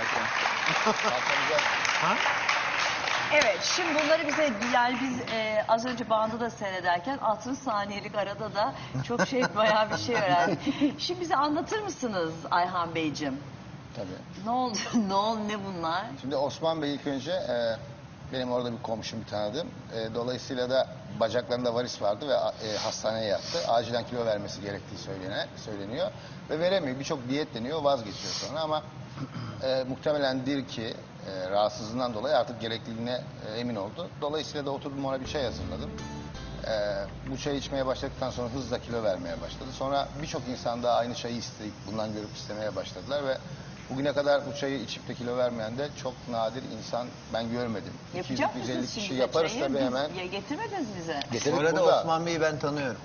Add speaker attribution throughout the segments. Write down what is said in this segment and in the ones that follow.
Speaker 1: Ha?
Speaker 2: Evet, şimdi bunları bize yani biz az önce bandı da seyrederken 60 saniyelik arada da çok bayağı bir şey öğrendik. Şimdi bize anlatır mısınız Ayhan Beyciğim?
Speaker 3: Tabii.
Speaker 2: Ne oldu? Ne bunlar?
Speaker 3: Şimdi Osman Bey ilk önce benim orada bir komşum, bir tanıdığım. Dolayısıyla da bacaklarında varis vardı ve hastaneye yattı. Acilen kilo vermesi gerektiği söyleniyor. Ve veremiyor. Birçok diyet deniyor, vazgeçiyor sonra ama muhtemelendir ki rahatsızlığından dolayı artık gerekliliğine emin oldu. Dolayısıyla da oturdum, ona bir çay hazırladım. Bu çayı içmeye başladıktan sonra hızla kilo vermeye başladı. Sonra birçok insan da aynı çayı isteyip bundan görüp istemeye başladılar ve bugüne kadar bu çayı içip de kilo vermeyen de çok nadir insan ben görmedim.
Speaker 2: Yapacak
Speaker 3: 200-250
Speaker 2: mısınız
Speaker 3: kişi
Speaker 2: şimdi
Speaker 3: yaparız
Speaker 2: çayı?
Speaker 3: tabii hemen.
Speaker 2: Ya getirmediniz bize.
Speaker 3: Getirip
Speaker 1: Bu arada
Speaker 3: burada.
Speaker 1: Osman Bey'i ben tanıyorum.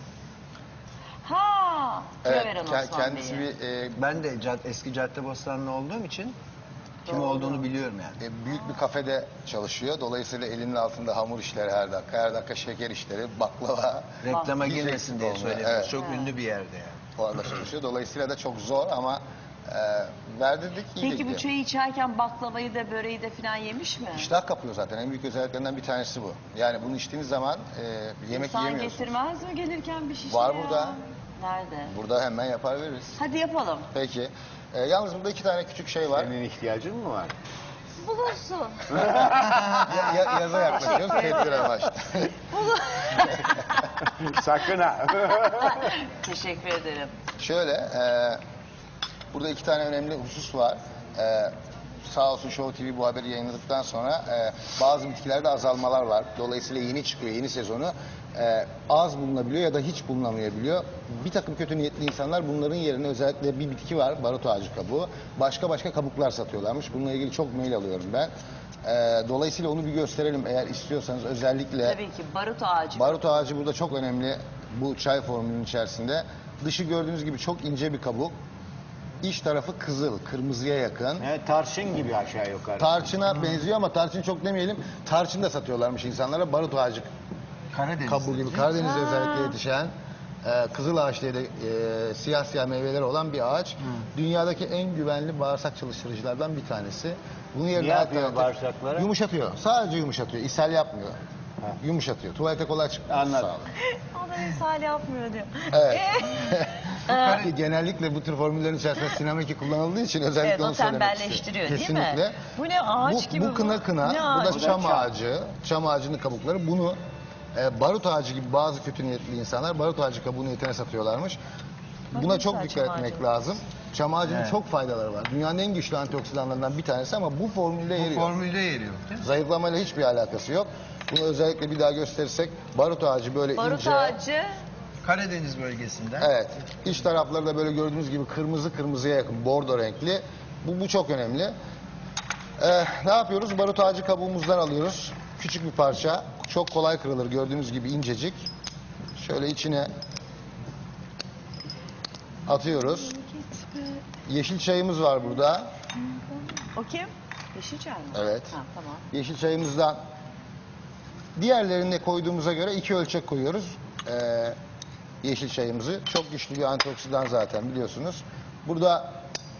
Speaker 2: Ha, kilo
Speaker 3: Evet,
Speaker 2: veren Osman
Speaker 3: kendisi
Speaker 2: Bey'i.
Speaker 1: Ben de eski Caddebostanlı olduğum için kim
Speaker 2: Doğru.
Speaker 1: olduğunu biliyorum yani.
Speaker 3: büyük bir kafede çalışıyor. Dolayısıyla elinin altında hamur işleri her dakika. Her dakika şeker işleri, baklava.
Speaker 1: Reklama
Speaker 3: Hiç
Speaker 1: girmesin
Speaker 3: eksik
Speaker 1: diye
Speaker 3: olmuyor.
Speaker 1: söylüyorum.
Speaker 3: Evet.
Speaker 1: Çok ünlü bir yerde yani.
Speaker 3: Orada çalışıyor. Dolayısıyla da çok zor ama verdirdik, iyi
Speaker 2: Peki bu
Speaker 3: gidiyor.
Speaker 2: çayı içerken baklavayı da böreği de falan yemiş mi?
Speaker 3: İştah kapıyor zaten. En büyük özelliklerinden bir tanesi bu. Yani bunu içtiğiniz zaman yemek
Speaker 2: İnsan
Speaker 3: yiyemiyorsunuz.
Speaker 2: getirmez mi gelirken bir şişe
Speaker 3: Var
Speaker 2: ya?
Speaker 3: burada.
Speaker 2: Nerede?
Speaker 3: Burada hemen yapar veririz.
Speaker 2: Hadi yapalım.
Speaker 3: Peki. Yalnız burada 2 tane küçük şey var.
Speaker 4: Senin ihtiyacın mı var?
Speaker 2: Bulursun.
Speaker 3: Yaza yaklaşıyoruz. Tedbir amaçlı.
Speaker 4: Sakın ha.
Speaker 2: Teşekkür ederim.
Speaker 3: Şöyle, burada 2 tane önemli husus var. Sağ olsun Show TV bu haberi yayınladıktan sonra bazı bitkilerde azalmalar var. Dolayısıyla yeni çıkıyor, yeni sezonu. Az bulunabiliyor ya da hiç bulunamayabiliyor. Bir takım kötü niyetli insanlar bunların yerine özellikle bir bitki var, barut ağacı kabuğu. Başka kabuklar satıyorlarmış. Bununla ilgili çok mail alıyorum ben. Dolayısıyla onu bir gösterelim eğer istiyorsanız özellikle.
Speaker 2: Tabii ki barut ağacı.
Speaker 3: Barut ağacı burada çok önemli bu çay formülünün içerisinde. Dışı gördüğünüz gibi çok ince bir kabuk. İç tarafı kızıl, kırmızıya yakın.
Speaker 4: Evet, tarçın gibi aşağı yukarı.
Speaker 3: Tarçına benziyor ama tarçın çok demeyelim. Tarçın da satıyorlarmış insanlara. Barut ağacı
Speaker 1: Karadeniz.
Speaker 3: kabuğu gibi. Karadeniz'de özellikle yetişen kızıl ağaç diye de siyah meyveleri olan bir ağaç. Dünyadaki en güvenli bağırsak çalıştırıcılardan bir tanesi. Bunu yerine
Speaker 4: Ne yapıyor
Speaker 3: alternatif-
Speaker 4: bağırsaklara?
Speaker 3: Yumuşatıyor. Sadece yumuşatıyor. İshal yapmıyor. Yumuşatıyor. Tuvalete kolay çıkıyor.
Speaker 4: Anladım.
Speaker 3: Sağ olun.
Speaker 2: O da misal yapmıyor diyor.
Speaker 3: Evet. Genellikle bu tür formüllerin içerisinde sinameki kullanıldığı için özellikle
Speaker 2: Evet, o
Speaker 3: onu söylemek istedim.
Speaker 2: tembelleştiriyor değil mi?
Speaker 3: Kesinlikle.
Speaker 2: Bu ne ağaç gibi
Speaker 3: Bu kına.
Speaker 2: Ne
Speaker 3: Bu da
Speaker 2: ağacı?
Speaker 3: çam
Speaker 4: Bu da
Speaker 3: ağacı. Çam ağacının kabukları. Bunu barut ağacı gibi bazı kötü niyetli insanlar barut ağacı kabuğunu niyetine satıyorlarmış. Buna çok
Speaker 2: güzel
Speaker 3: dikkat
Speaker 2: çam
Speaker 3: etmek
Speaker 2: ağacı.
Speaker 3: lazım. Çam ağacının
Speaker 1: Evet.
Speaker 3: çok faydaları var. Dünyanın en güçlü antioksidanlarından bir tanesi ama bu formülde yeri
Speaker 1: Bu
Speaker 3: yok.
Speaker 1: formülde yeri yok değil mi?
Speaker 3: Zayıflamayla hiçbir alakası yok. Bunu özellikle bir daha gösterirsek barut ağacı böyle
Speaker 2: Barut
Speaker 3: ince.
Speaker 2: ağacı.
Speaker 1: Karadeniz bölgesinden.
Speaker 3: Evet. İç tarafları da böyle gördüğünüz gibi kırmızıya yakın, bordo renkli. Bu çok önemli. Ne yapıyoruz? Barut ağacı kabuğumuzdan alıyoruz. Küçük bir parça. Çok kolay kırılır. Gördüğünüz gibi incecik. Şöyle içine atıyoruz. Yeşil çayımız var burada.
Speaker 2: O kim? Yeşil çay mı?
Speaker 3: Evet.
Speaker 2: Ha, tamam.
Speaker 3: Yeşil çayımızdan diğerlerine koyduğumuza göre 2 ölçek koyuyoruz. Yeşil çayımızı. Çok güçlü bir antioksidan zaten biliyorsunuz. Burada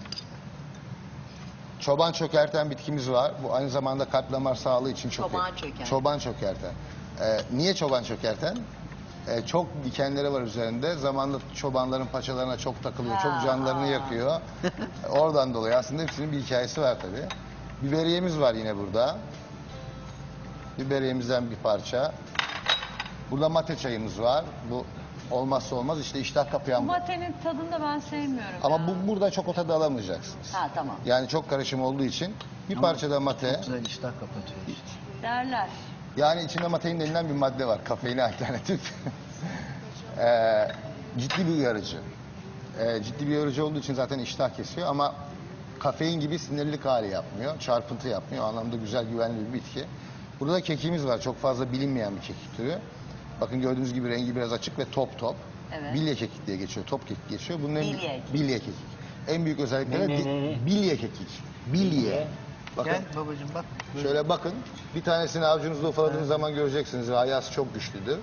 Speaker 3: çoban çökerten bitkimiz var. Bu aynı zamanda kalp damar sağlığı için çok
Speaker 2: Çoban
Speaker 3: iyi.
Speaker 2: çökerten.
Speaker 3: Çoban çökerten. Niye çoban çökerten? Çok dikenleri var üzerinde. Zamanla çobanların paçalarına çok takılıyor. Çok canlarını yakıyor. Oradan dolayı aslında hepsinin bir hikayesi var tabii. Biberiyemiz var yine burada. Biberiyemizden bir parça. Burada mate çayımız var. Bu olmazsa olmaz işte iştah
Speaker 2: Bu
Speaker 3: kapayan bu.
Speaker 2: matenin tadını da ben sevmiyorum.
Speaker 3: Ama
Speaker 2: ya.
Speaker 3: burada çok o tadı alamayacaksınız.
Speaker 2: Ha, tamam.
Speaker 3: Yani çok karışım olduğu için bir parça da mate.
Speaker 1: Güzel iştah kapatıyor işte.
Speaker 2: Derler.
Speaker 3: Yani içinde matein denilen bir madde var. Kafeine alternatif. Ciddi bir uyarıcı. Ciddi bir uyarıcı olduğu için zaten iştah kesiyor ama kafein gibi sinirlilik hali yapmıyor. Çarpıntı yapmıyor. O anlamda güzel, güvenli bir bitki. Burada da kekiğimiz var. Çok fazla bilinmeyen bir kekik türü. Bakın gördüğünüz gibi rengi biraz açık ve top.
Speaker 2: Evet.
Speaker 3: Bilye kekik diye geçiyor. Top kekik geçiyor. Bunun
Speaker 2: Bilye kekik.
Speaker 3: En büyük özellikleri
Speaker 4: Ne?
Speaker 3: bilye kekik. Bilye. Bakın.
Speaker 1: Gel babacığım bak.
Speaker 3: Şöyle bakın. Bir tanesini avucunuzda ufaladığınız zaman göreceksiniz. Ayası çok güçlüdür.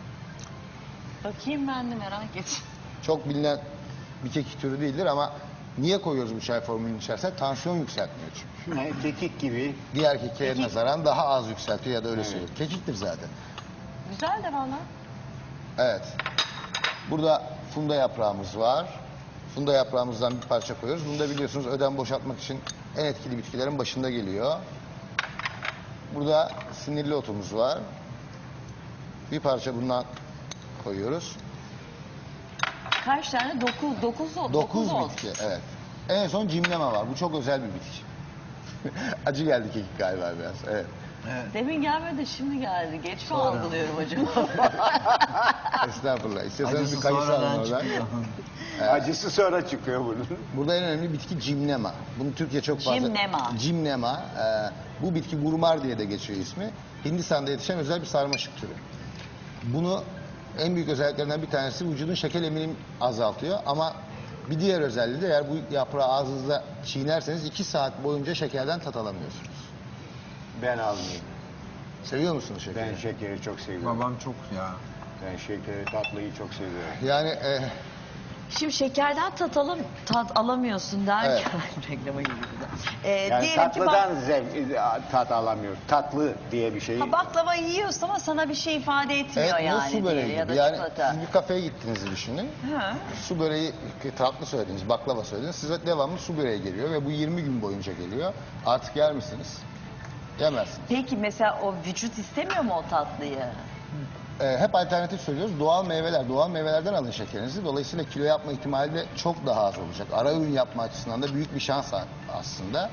Speaker 2: Bakayım ben de merak ettim.
Speaker 3: Çok bilinen bir kekik türü değildir ama Niye koyuyoruz bu çay formülünün içerisine? Tansiyon yükseltmiyor çünkü.
Speaker 4: Ne, kekik gibi.
Speaker 3: Diğer kekiğe
Speaker 2: Kekik.
Speaker 3: nazaran daha az yükseltiyor ya da öyle
Speaker 4: Evet.
Speaker 3: söylüyor. Kekiktir zaten.
Speaker 2: Güzel de valla.
Speaker 3: Evet. Burada funda yaprağımız var. Funda yaprağımızdan bir parça koyuyoruz. Bunu da biliyorsunuz ödem boşaltmak için en etkili bitkilerin başında geliyor. Burada sinirli otumuz var. Bir parça bundan koyuyoruz.
Speaker 2: Kaç tane? 9 oldu.
Speaker 3: 9
Speaker 2: oldu.
Speaker 3: bitki, evet. En son cimleme var. Bu çok özel bir bitki. Acı geldi kekik galiba biraz. Evet.
Speaker 1: Evet.
Speaker 2: Demin gelmedi de şimdi geldi. Geç mi
Speaker 1: Sonra.
Speaker 2: algılıyorum acaba?
Speaker 3: Estağfurullah. İstiyorsanız
Speaker 1: Acısı
Speaker 3: bir kayısı alın
Speaker 1: sonradan
Speaker 3: oradan.
Speaker 1: çıkıyor.
Speaker 4: Acısı sonra çıkıyor bunun.
Speaker 3: Burada en önemli bitki cimnema. Bunu Türkiye çok fazla...
Speaker 2: Cimnema.
Speaker 3: Cimnema. Bu bitki gurmar diye de geçiyor ismi. Hindistan'da yetişen özel bir sarmaşık türü. Bunu en büyük özelliklerinden bir tanesi vücudun şeker eminimi azaltıyor. Ama bir diğer özelliği de eğer bu yaprağı ağzınızda çiğnerseniz 2 saat boyunca şekerden tat alamıyorsunuz.
Speaker 4: Ben almayayım.
Speaker 3: Seviyor musunuz şekeri?
Speaker 4: Ben şekeri çok seviyorum.
Speaker 1: Babam çok ya.
Speaker 4: Ben şekeri, tatlıyı çok seviyorum.
Speaker 3: Yani
Speaker 2: Şimdi şekerden tat alamıyorsun derken reklama girdi.
Speaker 4: Yani
Speaker 2: Diyelim ki
Speaker 4: tatlıdan tat alamıyoruz. Tatlı diye bir şey.
Speaker 2: baklava yiyorsun ama sana bir şey ifade etmiyor
Speaker 3: evet, bu
Speaker 2: yani.
Speaker 3: su böreği
Speaker 2: ya da
Speaker 3: gibi. Yani
Speaker 2: çikolata.
Speaker 3: siz bir kafeye gittiğinizi düşünün.
Speaker 2: Hı.
Speaker 3: Su böreği, tatlı söylediniz, baklava söylediniz. Size devamlı su böreği geliyor ve bu 20 gün boyunca geliyor. Artık yer misiniz? Yemezsiniz.
Speaker 2: Peki mesela o vücut istemiyor mu o tatlıyı?
Speaker 3: Hep alternatif söylüyoruz. Doğal meyveler, doğal meyvelerden alın şekerinizi. Dolayısıyla kilo yapma ihtimali de çok daha az olacak. Ara ürün yapma açısından da büyük bir şans aslında.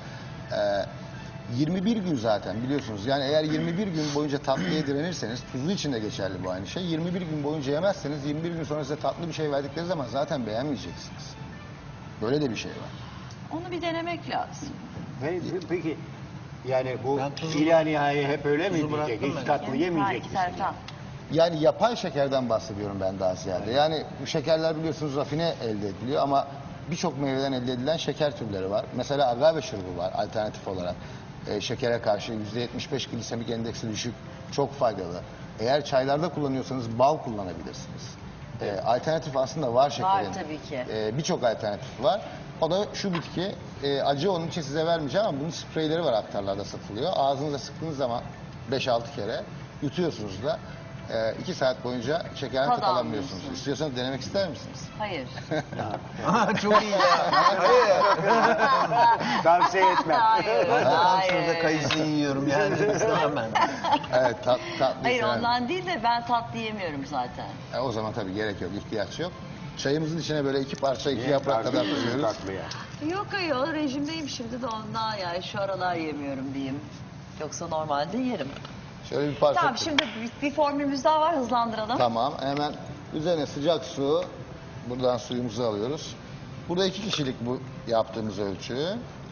Speaker 3: 21 gün zaten biliyorsunuz. Yani eğer 21 gün boyunca tatlıya direnirseniz, tuzlu için de geçerli bu aynı şey. 21 gün boyunca yemezseniz 21 gün sonra size tatlı bir şey verdikleri zaman zaten beğenmeyeceksiniz. Böyle de bir şey var.
Speaker 2: Onu bir denemek lazım.
Speaker 4: Peki yani bu
Speaker 1: Ben tuzu-
Speaker 4: ilahi hep öyle mi
Speaker 1: tuzu
Speaker 4: diyecek?
Speaker 1: bıraktım
Speaker 4: Hiç
Speaker 1: ben.
Speaker 4: tatlı yemeyecek misin?
Speaker 2: Serkan.
Speaker 3: Yani yapay şekerden bahsediyorum ben daha ziyade. Yani bu şekerler biliyorsunuz rafine elde ediliyor ama birçok meyveden elde edilen şeker türleri var. Mesela agave şurubu var alternatif olarak. Şekere karşı %75 glisemik endeksi düşük, çok faydalı. Eğer çaylarda kullanıyorsanız bal kullanabilirsiniz. Alternatif aslında var şekerin.
Speaker 2: Var tabii ki.
Speaker 3: Birçok alternatif var. O da şu bitki, acı onun için size vermeyeceğim ama bunun spreyleri var aktarlarda satılıyor. Ağzınıza sıktığınız zaman 5-6 kere yutuyorsunuz da 2 saat boyunca şekerden
Speaker 2: Tad
Speaker 3: tat alamıyorsunuz.
Speaker 2: almıyorsun.
Speaker 3: İstiyorsanız denemek ister misiniz?
Speaker 2: Hayır.
Speaker 1: Çok iyi ya. Hayır.
Speaker 4: Tavsiye etmem.
Speaker 2: Hayır.
Speaker 1: Ben zaten
Speaker 2: Hayır.
Speaker 1: şurada kayısı yiyorum yani. İstemem ben.
Speaker 3: Evet, tatlı.
Speaker 2: Hayır ondan değil de ben tatlı yemiyorum zaten.
Speaker 3: O zaman tabii gerek yok, ihtiyaç yok. Çayımızın içine böyle 2 parça, 2 yaprak kadar
Speaker 4: Tatlı,
Speaker 3: koyuyoruz.
Speaker 4: tatlıya.
Speaker 2: Yok ayol rejimdeyim şimdi de ondan yani şu aralar yemiyorum diyeyim. Yoksa normalde yerim.
Speaker 3: Şöyle bir parça.
Speaker 2: Tamam şimdi bir formülümüz daha var hızlandıralım.
Speaker 3: Tamam, hemen üzerine sıcak su. Buradan suyumuzu alıyoruz. Burada 2 kişilik bu yaptığımız ölçü.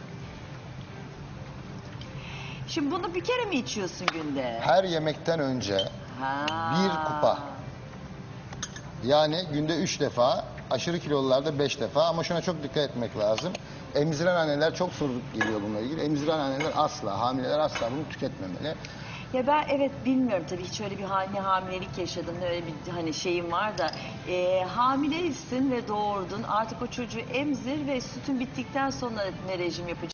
Speaker 2: Şimdi bunu bir kere mi içiyorsun günde?
Speaker 3: Her yemekten önce
Speaker 2: Ha.
Speaker 3: 1 kupa. Yani günde 3 defa, aşırı kilolularda 5 defa ama şuna çok dikkat etmek lazım. Emziren anneler çok soru geliyor bununla ilgili. Emziren anneler asla, hamileler asla bunu tüketmemeli.
Speaker 2: Ya ben evet bilmiyorum tabii hiç öyle bir hamilelik yaşadım öyle bir hani şeyim var da hamileysin ve doğurdun artık o çocuğu emzir ve sütün bittikten sonra ne rejim yapacaksın?